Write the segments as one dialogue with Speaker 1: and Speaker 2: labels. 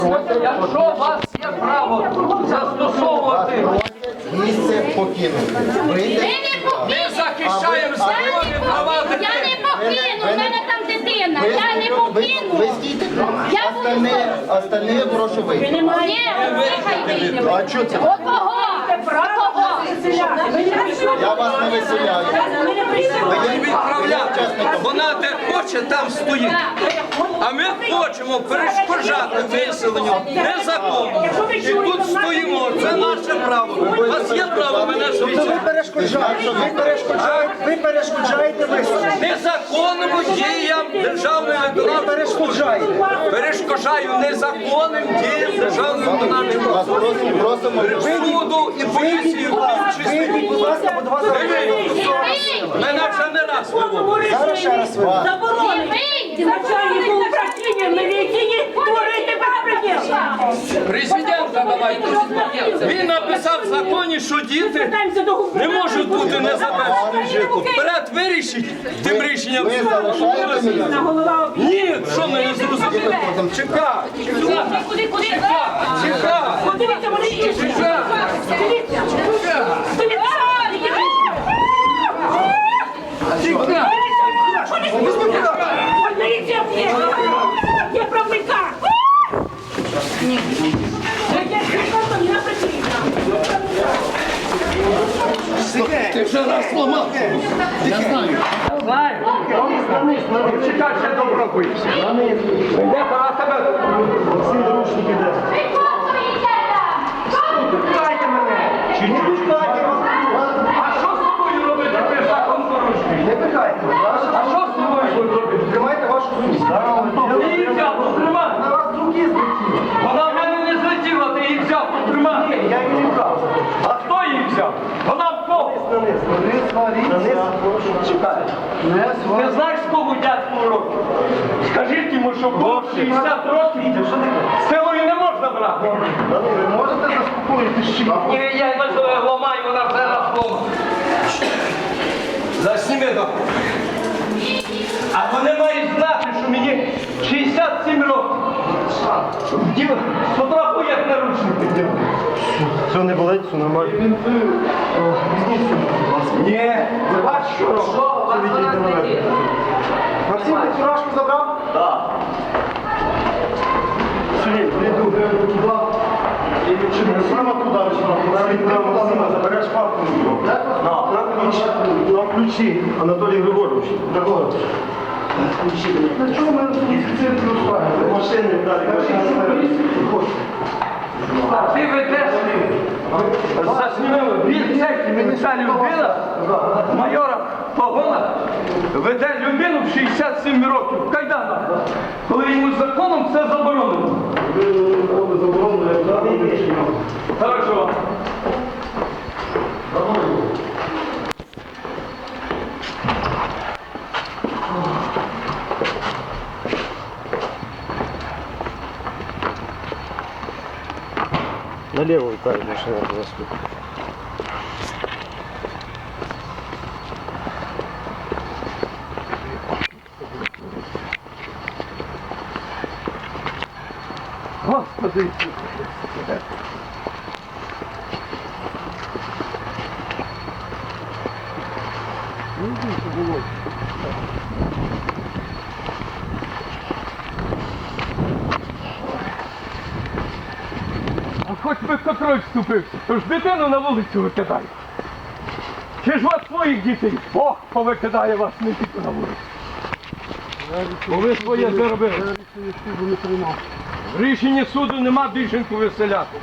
Speaker 1: Якщо у вас є право застосовувати,
Speaker 2: Місце покинути.
Speaker 1: ми захищаємо законні права
Speaker 3: Я
Speaker 1: дитини.
Speaker 3: не покину, в мене там дитина, я не
Speaker 2: Ви
Speaker 3: покину.
Speaker 2: стійте.
Speaker 3: Я буду
Speaker 2: Остальне прошу вийти.
Speaker 3: Ні, нехай вийде.
Speaker 2: А що це?
Speaker 3: От кого?
Speaker 2: Я вас не виселяю.
Speaker 1: І відправляти. Вона де хоче, там стоїть. А ми хочемо перешкоджати виселенню незаконно. І тут стоїмо. Це наше право. У вас є право мене
Speaker 4: Ви
Speaker 1: звільнити.
Speaker 4: ви перешкоджаєте виселення.
Speaker 1: Незаконному діям державної виконавчої
Speaker 4: Перешкоджаєте.
Speaker 1: перешкоджаю незаконним діям державної виконавчої
Speaker 2: Вас просимо.
Speaker 1: суду і поліції в тому числі.
Speaker 4: Вийдіть, будь ласка, бо до вас зараз
Speaker 1: Мене вже не раз виводили.
Speaker 4: зараз ще раз ви.
Speaker 5: Начальнику управління міліції творити безпреділ.
Speaker 1: Президента давайте. Він написав в законі, що діти не можуть бути незабезпечені. Вперед вирішіть тим рішенням.
Speaker 2: Ви залишаєте мене?
Speaker 1: Ні, що ми не зрозуміли? Чекай,
Speaker 5: Куди?
Speaker 1: чекай.
Speaker 5: Подивіться, вони інші. Дивіться. Поліція є правника.
Speaker 1: Ти вже раз сломав. Я знаю. Чекай, ще добро боїшся. Йде пора тебе. А що з тобою робити? Ти закон порушуєш.
Speaker 4: Не пихайте.
Speaker 1: А що з тобою робити?
Speaker 4: Тримайте вашу сумість.
Speaker 1: Ти її взяв, потримай.
Speaker 4: На вас руки злетіли.
Speaker 1: Вона в мене не злетіла, ти її взяв, потримай.
Speaker 4: Я її не брав.
Speaker 1: А хто її взяв? Вона в кого?
Speaker 4: Чекайте.
Speaker 1: Ти знаєш, скільки дядьку років? Скажіть йому, що було 60 років, силою не можна брати.
Speaker 4: Ви можете заспокоїтися чи ні?
Speaker 1: Ні, я не ламаю, вона вже раз ломана. Засніми так. А вони мають знати, що мені 67 років. Діва, сфотографуй як наручники.
Speaker 4: Все не болить, все нормально.
Speaker 1: Ні, ви бачите, що робить?
Speaker 4: Максим, ти фуражку забрав?
Speaker 1: Так.
Speaker 4: Сергій, прийду. Прямо туди, навіть прямо Максима забереш папку. На ключі, Анатолій Григорович. Такого. На чому ми цирк розправили? Машини,
Speaker 1: А ти ведеш, заснімили, він цей, мені ця людина, майора погона, веде людину в 67 років, в кайданах, коли йому законом це заборонено. Хорошо.
Speaker 4: Налево витает машина туда сюда.
Speaker 1: Господи. А хоч би контроль вступився, то ж дитину на вулицю викидає. Чи ж вас своїх дітей? Бог повикидає вас не тільки на вулицю. Бо ви своє заробили. В рішенні суду нема більшеньку виселяти.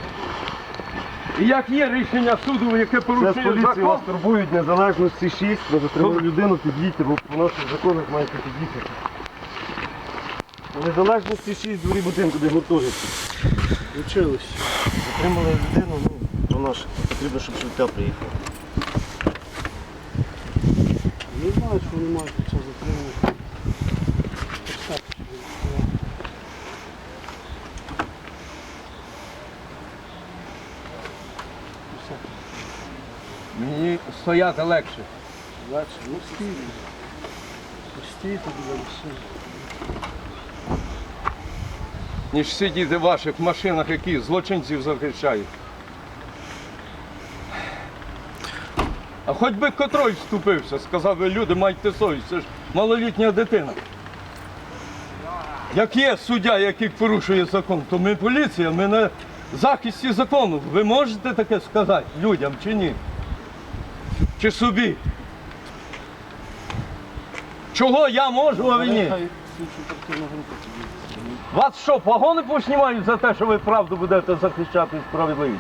Speaker 1: І як є рішення суду, яке
Speaker 4: Це з
Speaker 1: порушує
Speaker 4: поліції
Speaker 1: закон,
Speaker 4: вас турбують незалежності 6, ми затримали людину, під'їдьте, бо по наших законах маєте під'їхати. Незалежності 6 дворі будинку, де гуртожитки. Вчились. Затримали людину, по наших. Потрібно, щоб швидка приїхала. Не знаю, що вони мають під час затримання.
Speaker 1: мені стояти легше.
Speaker 4: Легше, ну стій. Стій тобі, все.
Speaker 1: ніж сидіти в ваших машинах, які злочинців захищають. А хоч би котрой вступився, сказав би, люди, майте совість, це ж малолітня дитина. Як є суддя, який порушує закон, то ми поліція, ми на захисті закону. Ви можете таке сказати людям чи ні? Чи собі? Чого я можу, а ви ні? Вас що, погони поснімають за те, що ви правду будете захищати і справедливість?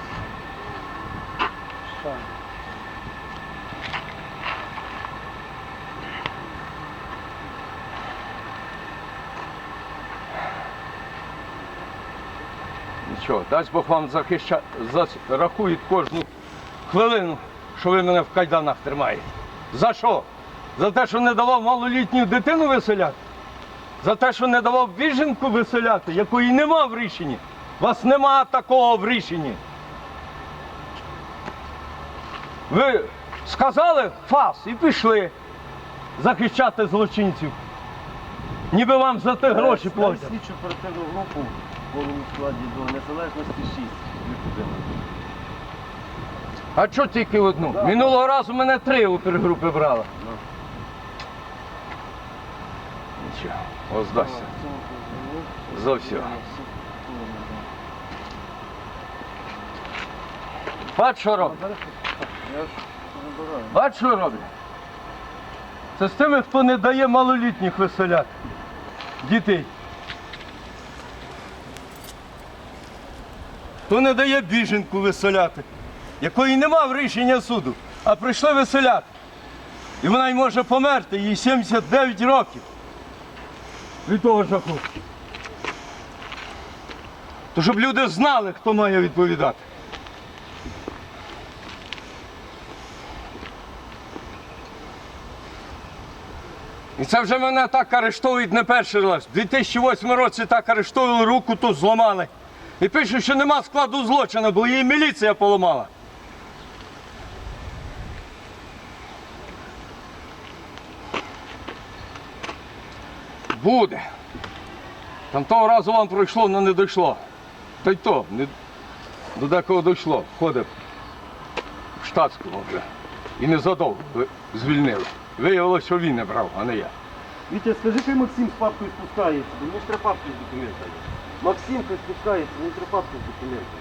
Speaker 1: Нічого, дасть Бог вам рахують кожну хвилину, що ви мене в кайданах тримаєте. За що? За те, що не давав малолітню дитину виселяти? За те, що не давав біженку виселяти, якої нема в рішенні? У вас нема такого в рішенні. Ви сказали фас і пішли захищати злочинців. Ніби вам за те гроші платять.
Speaker 4: Слідчу оперативну групу в повному складі до Незалежності 6.
Speaker 1: А чого тільки одну? Минулого разу мене 3 опергрупи брали. Нічого, ось здасться. За все. Бач, що роблять? Бач, що роблять? Це з тими, хто не дає малолітніх виселяти. Дітей. Хто не дає біженку виселяти, якої нема в рішення суду, а прийшли виселяти. І вона й може померти, їй 79 років. Від того жаху. То щоб люди знали, хто має відповідати. І це вже мене так арештовують не перший раз. У 2008 році так арештовували, руку тут зламали. І пишуть, що нема складу злочину, бо її міліція поламала. Буде. Там того разу вам пройшло, але не дійшло. Та й то, до декого дійшло. Ходив в штатському вже. І незадовго звільнили. Виявилося, що він не брав, а не я.
Speaker 4: Вітя, скажи, хай Максим з папкою спускається, бо мені ж треба папку з документами. Максим хай спускається, мені треба папку з документами.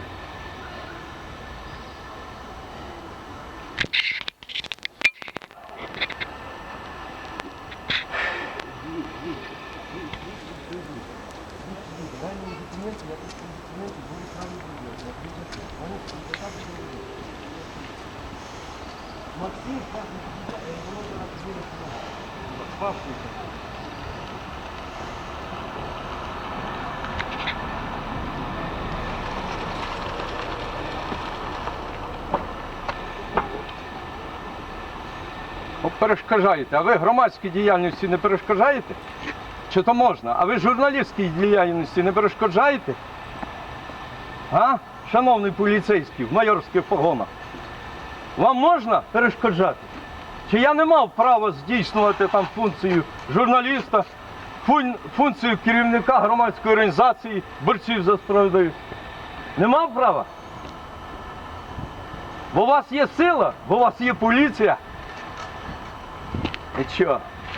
Speaker 4: Максим, папку.
Speaker 1: Перешкоджаєте. А ви громадській діяльності не перешкоджаєте? Чи то можна? А ви журналістській діяльності не перешкоджаєте? А? Шановний поліцейський в майорських погонах. Вам можна перешкоджати? Чи я не мав права здійснювати там функцію журналіста, функцію керівника громадської організації, борців за справедливість? Не мав права? Бо у вас є сила, бо у вас є поліція. І що?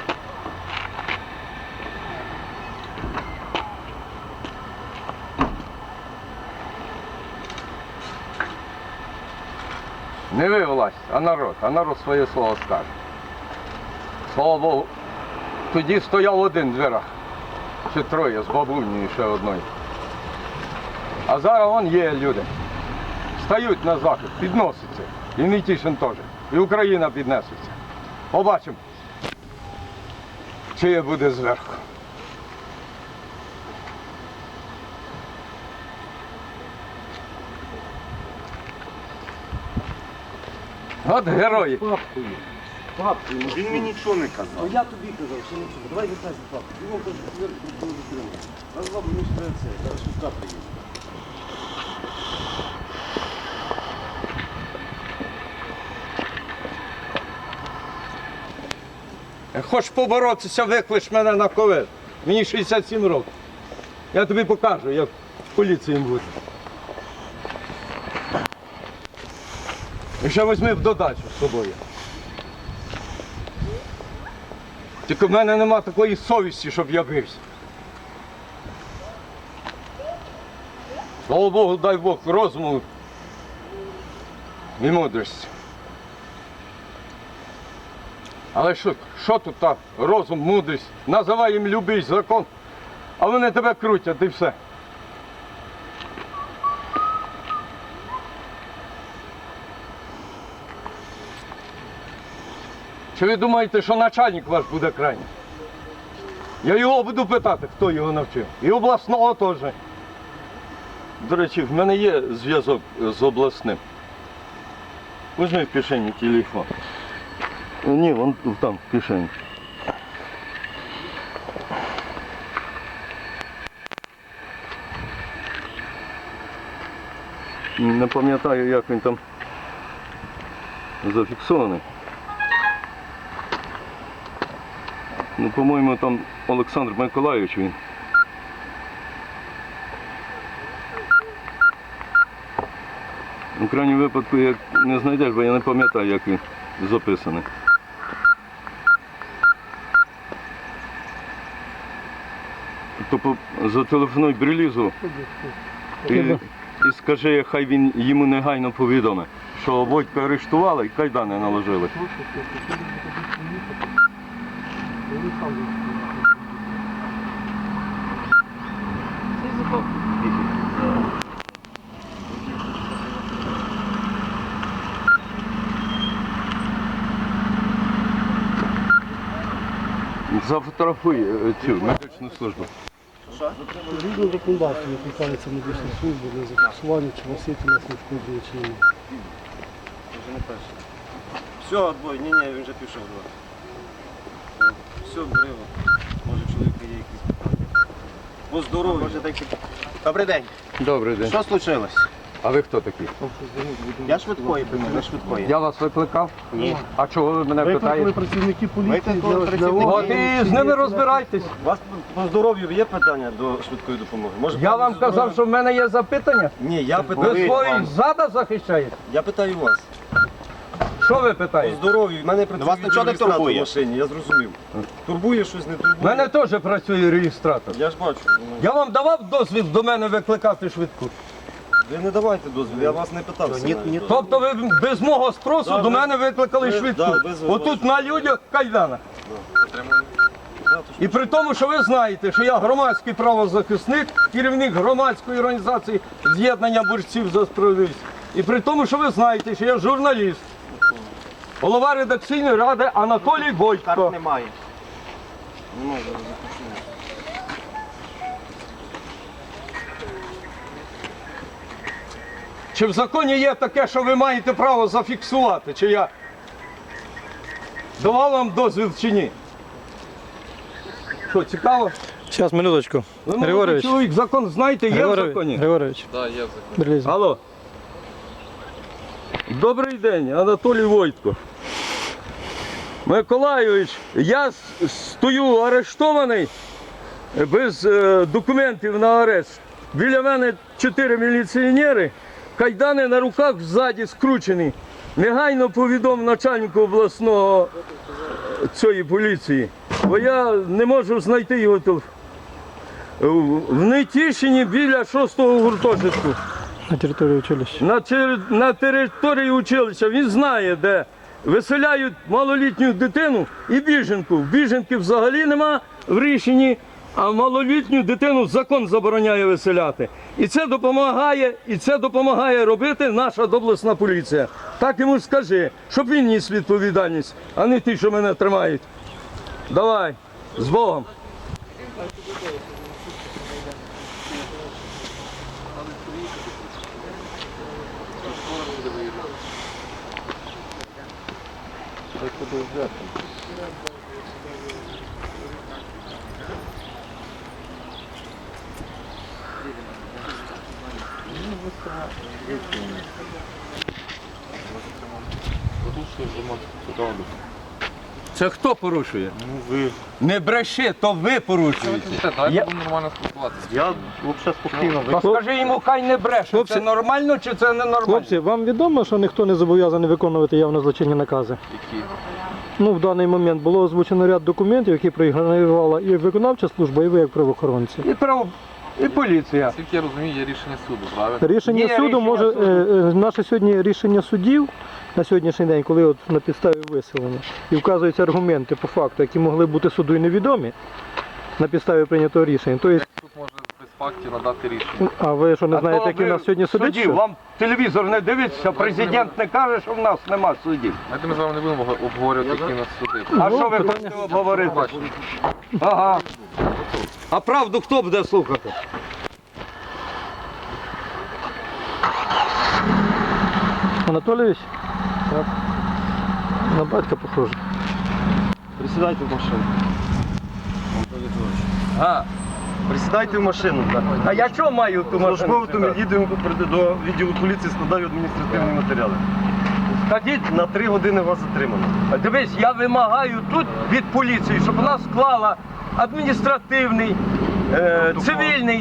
Speaker 1: Не ви власть, а народ своє слово скаже. Слава Богу, тоді стояв один в дверях, ще 3 з бабунею і ще одною. А зараз вон є люди. Стають на захист, підносяться. І Нетішин теж. І Україна піднесеться. Побачимо, чиє буде зверху. От герої.
Speaker 4: Папкою. Папкою. Він мені нічого не казав. А я тобі казав, що нічого. Давай витай за папку. Він вам каже, що зверху ніхто не затримав. Раз бабу мені треба це. Зараз швидка приїде.
Speaker 1: Хочеш поборотися, виклич мене на ковид. Мені 67 років. Я тобі покажу, як поліції бути. І ще візьми в додачу з собою. Тільки в мене нема такої совісті, щоб я бився. Слава Богу, дай Бог розуму і мудрості. Але що тут так? Розум, мудрість, називай їм любий закон, а вони тебе крутять і все. Чи ви думаєте, що начальник ваш буде крайній? Я його буду питати, хто його навчив. І обласного теж. До речі, в мене є зв'язок з обласним. Візьми в кишені телефон. Ні, вон там, в кишені. Не пам'ятаю, як він там зафіксований. Ну, по-моєму, там Олександр Миколайович він. У крайньому випадку, як не знайдеш, бо я не пам'ятаю, як він записаний. То зателефонуй Брилізу і скажи, хай він йому негайно повідомить, що Войтка арештували і кайдани наложили. Зафотографуй цю медичну службу.
Speaker 6: Згідно законодавства викликається медична служба для зафіксування, чи носити нас не шкоджує, чи ні.
Speaker 4: Вже не перше. Все, отбой. Ні, він вже пішов. Все, бери. Може, чоловіка є якісь питання. По здоров'ю.
Speaker 2: Добрий день.
Speaker 1: Добрий день.
Speaker 2: Що случилось?
Speaker 1: А ви хто такі?
Speaker 2: Я швидкої прийму, швидкої.
Speaker 1: Я вас викликав?
Speaker 2: Ні.
Speaker 1: А чого ви мене
Speaker 6: Викликали
Speaker 1: питаєте?
Speaker 6: працівники поліції
Speaker 2: Викликали
Speaker 6: для
Speaker 2: працівники.
Speaker 1: От і з ними розбирайтесь.
Speaker 4: У вас по здоров'ю є питання до швидкої допомоги? Може,
Speaker 1: Я вам казав, що в мене є запитання.
Speaker 4: Ні, я
Speaker 1: Ви
Speaker 4: питаю
Speaker 1: своїх
Speaker 4: вам.
Speaker 1: зада захищаєте?
Speaker 4: Я питаю вас.
Speaker 1: Що ви
Speaker 4: По
Speaker 1: питаєте?
Speaker 4: здоров'ю. В мене працює
Speaker 2: вас нічого не
Speaker 4: реєстратор
Speaker 2: турбує?
Speaker 4: в машині, я зрозумів. Турбує щось, не турбує?
Speaker 1: У мене теж працює реєстратор.
Speaker 4: Я ж бачу.
Speaker 1: Я вам давав дозвіл до мене викликати швидку?
Speaker 4: Ви не давайте дозвіл, я вас не питався. навіть.
Speaker 1: Тобто ви без мого спросу
Speaker 4: Да,
Speaker 1: до
Speaker 4: ви-
Speaker 1: мене викликали
Speaker 4: ви-
Speaker 1: швидку?
Speaker 4: да, без
Speaker 1: Отут на людях кайдана.
Speaker 4: Да, то
Speaker 1: І при тому, що ви знаєте, що я громадський правозахисник, керівник громадської організації з'єднання борців за справедливість. І при тому, що ви знаєте, що я журналіст, голова редакційної ради Анатолій Войтко.
Speaker 2: Немає.
Speaker 1: Чи в законі є таке, що ви маєте право зафіксувати, чи я давав вам дозвіл чи ні? Що, цікаво?
Speaker 6: Зараз, минуточку.
Speaker 1: Ви молодий
Speaker 6: Григорович.
Speaker 1: чоловік, закон знаєте, є в законі?
Speaker 6: Григорович. Бриліза.
Speaker 1: Алло. Добрий день, Анатолій Войтко. Миколайович, я стою арештований без документів на арешт. Біля мене 4 міліціонери, кайдани на руках ззаді скручені. Негайно повідом начальнику обласного цієї поліції, бо я не можу знайти його телефон. В Нетішині біля 6-го гуртожитку.
Speaker 6: На території училища.
Speaker 1: На території училища він знає, де виселяють малолітню дитину і біженку. Біженки взагалі нема в рішенні, а малолітню дитину закон забороняє виселяти. І це допомагає робити наша обласна поліція. Так йому скажи, щоб він ніс відповідальність, а не ті, що мене тримають. Давай, з Богом. Це хто порушує?
Speaker 4: Ну ви.
Speaker 1: Не бреши, то ви порушуєте.
Speaker 7: Дайте будемо нормально спілкуватися.
Speaker 4: Я взагалі спокійно.
Speaker 1: То скажи йому, хай не бреше.
Speaker 6: Хлопці.
Speaker 1: Це нормально чи це не нормально?
Speaker 6: Хлопці, вам відомо, що ніхто не зобов'язаний виконувати явно злочинні накази?
Speaker 7: Які?
Speaker 6: Ну, в даний момент було озвучено ряд документів, які проігнорувала і виконавча служба, і ви як правоохоронці.
Speaker 1: І поліція.
Speaker 7: Наскільки я розумію, є рішення суду, правильно?
Speaker 6: Рішення
Speaker 1: Є
Speaker 6: суду
Speaker 1: рішення
Speaker 6: може,
Speaker 1: суду.
Speaker 6: наше сьогодні рішення судів на сьогоднішній день, коли от на підставі виселення, і вказуються аргументи по факту, які могли бути суду і невідомі на підставі прийнятого рішення. Тобто,
Speaker 7: Суд може без фактів надати рішення.
Speaker 6: а ви що не
Speaker 1: А
Speaker 6: знаєте,
Speaker 1: то
Speaker 6: які в
Speaker 1: ви
Speaker 6: нас сьогодні судять?
Speaker 1: судді,
Speaker 6: що?
Speaker 1: вам телевізор не дивиться, президент не каже, що в нас нема суддів.
Speaker 7: Знаєте, ми з вами не будемо обговорювати, які у нас суди.
Speaker 1: А
Speaker 6: Ну,
Speaker 1: що ви
Speaker 6: питання-
Speaker 1: хочете обговорити?
Speaker 7: Побачимо.
Speaker 1: Ага. А правду хто буде слухати?
Speaker 6: Анатолійович? Так. На батька похоже.
Speaker 4: Присідайте в машину.
Speaker 1: А,
Speaker 4: Присідайте в машину. Так.
Speaker 1: а я що маю ту машину?
Speaker 4: Службовим
Speaker 1: сідати?
Speaker 4: автомобілем до відділу поліції складаю адміністративні матеріали.
Speaker 1: Скажіть,
Speaker 4: На 3 години вас затримано.
Speaker 1: дивись, я вимагаю тут від поліції, щоб вона склала адміністративний, цивільний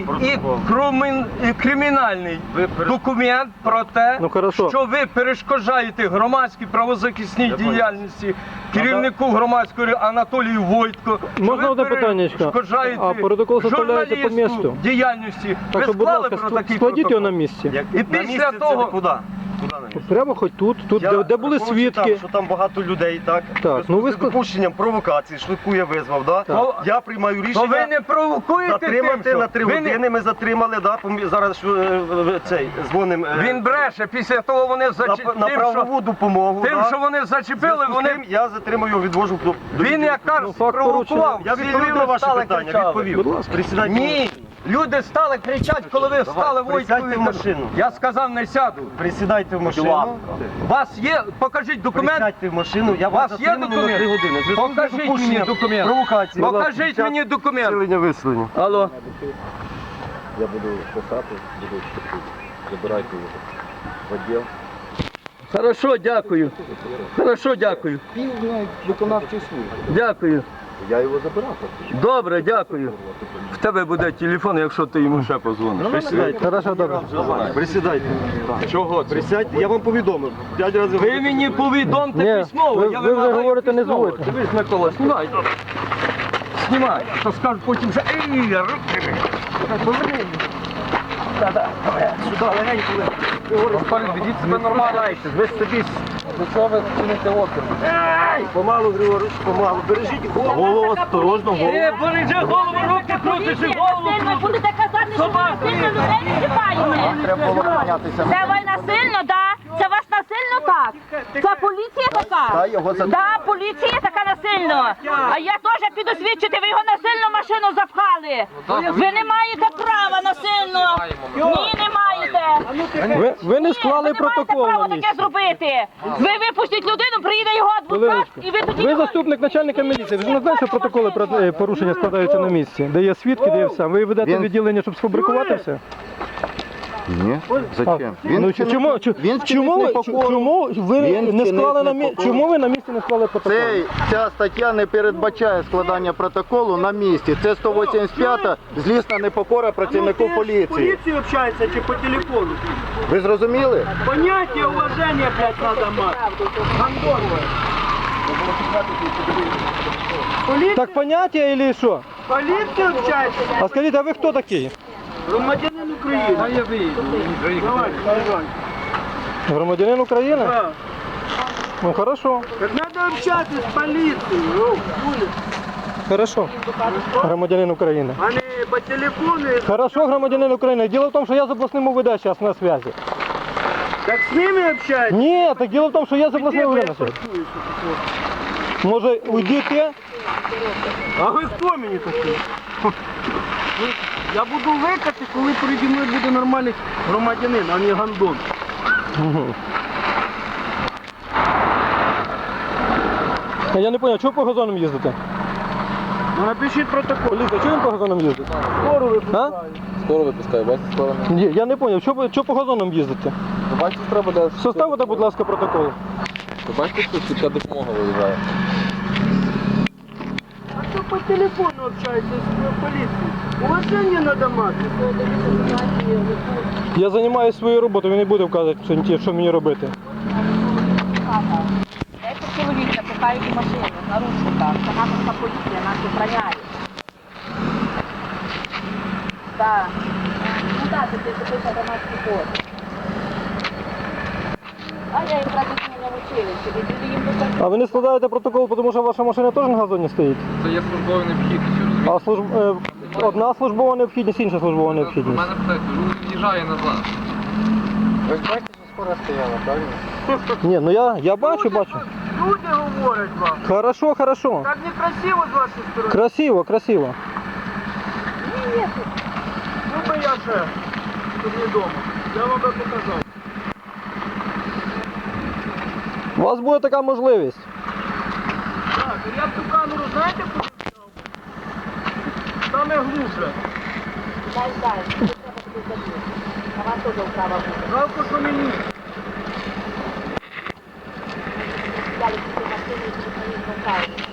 Speaker 1: і кримінальний
Speaker 4: Ви
Speaker 1: документ про те,
Speaker 6: Ну, хорошо.
Speaker 1: що ви перешкоджаєте громадській правозахисній
Speaker 4: Я понял.
Speaker 1: діяльності керівнику громадської Анатолію Войтко. що
Speaker 6: Можна
Speaker 1: ви
Speaker 6: одне питаннячко?
Speaker 1: перешкоджаєте
Speaker 6: А протокол составляється по
Speaker 1: журналісту
Speaker 6: місту?
Speaker 1: діяльності.
Speaker 6: Так
Speaker 1: Ви
Speaker 6: що, будь
Speaker 1: склали
Speaker 6: ласка,
Speaker 1: про такий
Speaker 6: складіть його
Speaker 1: протокол?
Speaker 6: на місці.
Speaker 1: І
Speaker 4: На
Speaker 1: після
Speaker 4: місце це
Speaker 1: того-
Speaker 4: ви куди? Куди на місце?
Speaker 6: Прямо хоч тут,
Speaker 4: Я
Speaker 6: де були
Speaker 4: рахую,
Speaker 6: свідки.
Speaker 4: що там багато людей, так?
Speaker 6: Так, ну ви
Speaker 4: з допущенням провокації, швидку я визвав, да?
Speaker 1: Так.
Speaker 4: Я приймаю
Speaker 1: То
Speaker 4: рішення.
Speaker 1: ви не провокуєте тим,
Speaker 4: Затримати
Speaker 1: що
Speaker 4: на 3
Speaker 1: ви не-
Speaker 4: години, ми затримали, да? Зараз цей, дзвоним
Speaker 1: Він бреше, після того вони
Speaker 4: на
Speaker 1: зачепили,
Speaker 4: правову допомогу.
Speaker 1: тим,
Speaker 4: да?
Speaker 1: що вони зачепили,
Speaker 4: Зв'язку з
Speaker 1: вони...
Speaker 4: тим я затримую його, відвожу до
Speaker 1: Він
Speaker 4: відділу.
Speaker 1: якраз
Speaker 6: Ну, факт
Speaker 1: провокував.
Speaker 4: Я
Speaker 1: всі
Speaker 4: відповів
Speaker 1: люди
Speaker 4: на ваше
Speaker 1: стали
Speaker 4: питання,
Speaker 1: кричали.
Speaker 4: відповів. Присідайте.
Speaker 1: Ні, люди стали кричати, коли ви стали
Speaker 4: присядьте
Speaker 1: Войткові.
Speaker 4: в машину.
Speaker 1: Я сказав, не сяду.
Speaker 4: Присідайте в машину.
Speaker 1: У вас є, покажіть документ.
Speaker 4: Присядьте в машину, я
Speaker 1: У вас
Speaker 4: вас
Speaker 1: є
Speaker 4: затримую на 3
Speaker 1: документ?
Speaker 4: години. В зв'язку з
Speaker 1: Покажіть мені
Speaker 4: допущенням
Speaker 1: документ.
Speaker 4: Провокації.
Speaker 1: Покажіть мені документ.
Speaker 4: Виселення, виселення.
Speaker 1: Алло.
Speaker 8: Я буду писати, буду забирайте його в відділ.
Speaker 1: Хорошо, дякую. Хорошо, дякую.
Speaker 8: Він виконавчий служби.
Speaker 1: Дякую.
Speaker 8: Я його забирав.
Speaker 1: Добре, дякую. В тебе буде телефон, якщо ти йому ще позвониш.
Speaker 4: Присідайте.
Speaker 6: Хорошо, добре.
Speaker 4: Присідайте.
Speaker 1: Чого це?
Speaker 4: Присядьте, я вам повідомив. 5 разів.
Speaker 1: Ви мені повідомте
Speaker 6: Ні,
Speaker 1: письмово.
Speaker 6: ви
Speaker 1: я
Speaker 6: вже
Speaker 1: вимагаю
Speaker 6: говорите, не
Speaker 1: письмово.
Speaker 6: зводьте.
Speaker 1: Дивись, Микола, знімай. Знімай. То скажуть потім, що ей, руки. Поверни. Да-да, сюди, легенько. Ведіть себе нормально. Ви собі.
Speaker 7: До чого ви чините опір?
Speaker 4: Помалу, Григорич, помалу. Бережіть голову, осторожно, голову.
Speaker 1: Бережи голову, руки крутиш і голову
Speaker 3: Ви
Speaker 1: крутиш.
Speaker 3: будете казати, що ви насильно людей не чіпаєте. Це ви насильно, да? Це вас насильно так? Це поліція така? Да, поліція така насильно. А я теж піду свідчити, ви його насильно в машину запхали. Ви не маєте права насильно. Ні, не маєте.
Speaker 6: Ви не
Speaker 3: Ні,
Speaker 6: склали
Speaker 3: ви не
Speaker 6: протокол
Speaker 3: маєте
Speaker 6: на
Speaker 3: права
Speaker 6: місці.
Speaker 3: таке зробити. Ви випустіть людину, приїде його адвокат,
Speaker 6: Хвилиночку.
Speaker 3: і ви тоді...
Speaker 6: Ви
Speaker 3: його-
Speaker 6: заступник начальника міліції. Ви ж не знаєте, що протоколи про порушення складаються на місці, де є свідки, де є все. Ви ведете відділення, щоб сфабрикувати все?
Speaker 8: Ні. Зачем?
Speaker 6: Ну, чому ви не склали на місці? Чому ви на місці не склали протокол?
Speaker 8: Ця стаття не передбачає складання протоколу на місці. Це 185-та злісна непокора працівнику поліції.
Speaker 6: общається чи по телефону?
Speaker 8: Ви зрозуміли?
Speaker 6: Поняття уваження, блядь, надо мати. Так поняття или що?
Speaker 9: Поліція общається.
Speaker 6: А скажіть, а ви хто такий?
Speaker 9: Громадянин України. А я вийду.
Speaker 6: Громадянин України?
Speaker 9: Так.
Speaker 6: Ну хорошо,
Speaker 9: Так треба общатися з поліцією.
Speaker 6: хорошо. Громадянин України.
Speaker 9: А не по телефону.
Speaker 6: Хорошо, громадянин України. Дело в том, что я с областным УВД сейчас на связи.
Speaker 9: Так з ними общаєтесь?
Speaker 6: Нет, так дело в том, что я с областным УВД на связи. Может, уйдите?
Speaker 9: А ви хто мені такий? Я буду викати, коли переді мною буде нормальний громадянин, а не гандон.
Speaker 6: А я не понял, чого по газонам їздите?
Speaker 9: Ну напишіть протокол.
Speaker 6: Поліція, чого він по газонам їздить?
Speaker 9: Скоро ви
Speaker 6: А?
Speaker 7: Скоро випускаю, бачите, скоро не.
Speaker 6: Ні, я не понял, чого по газонам їздите?
Speaker 7: Ви бачите, треба для...
Speaker 6: Составите, будь ласка, протокол.
Speaker 7: Ви бачите, що швидка допомога виїжджає?
Speaker 9: кто по телефону общается с полицией. Уважение надо мати.
Speaker 6: Я займаюся своєю роботою, він не буде вказувати, що мені робити.
Speaker 3: Це чоловік напихає в машину, в наручниках. Це наша поліція, нас охороняє. Так. Ну так, це запише громадський код. А я їм практично не вчилася, люди їм достатньо.
Speaker 6: А ви не складаєте протокол, тому що ваша машина теж на газоні стоїть?
Speaker 7: Це є службова необхідність, розумієте?
Speaker 6: А одна службова необхідність, інша службова
Speaker 7: У
Speaker 6: необхідність.
Speaker 7: мене питають, від'їжджає назад.
Speaker 8: Ви ж бачите, що скоро стояла, правильно?
Speaker 6: Ні, ну я бачу.
Speaker 9: Люди говорять вам.
Speaker 6: Хорошо.
Speaker 9: Так некрасиво з вашої сторони.
Speaker 6: Красиво.
Speaker 9: Ну би я ще тут не вдома. Я вам би показав.
Speaker 6: У вас буде така можливість.
Speaker 9: Так, я б ту камеру, знаєте, куди взяв? Саме глуше.
Speaker 3: Дай, це треба буде забити. А вам теж вправа буде.
Speaker 9: Жалко, що мені.
Speaker 3: Далі після машини і телефонів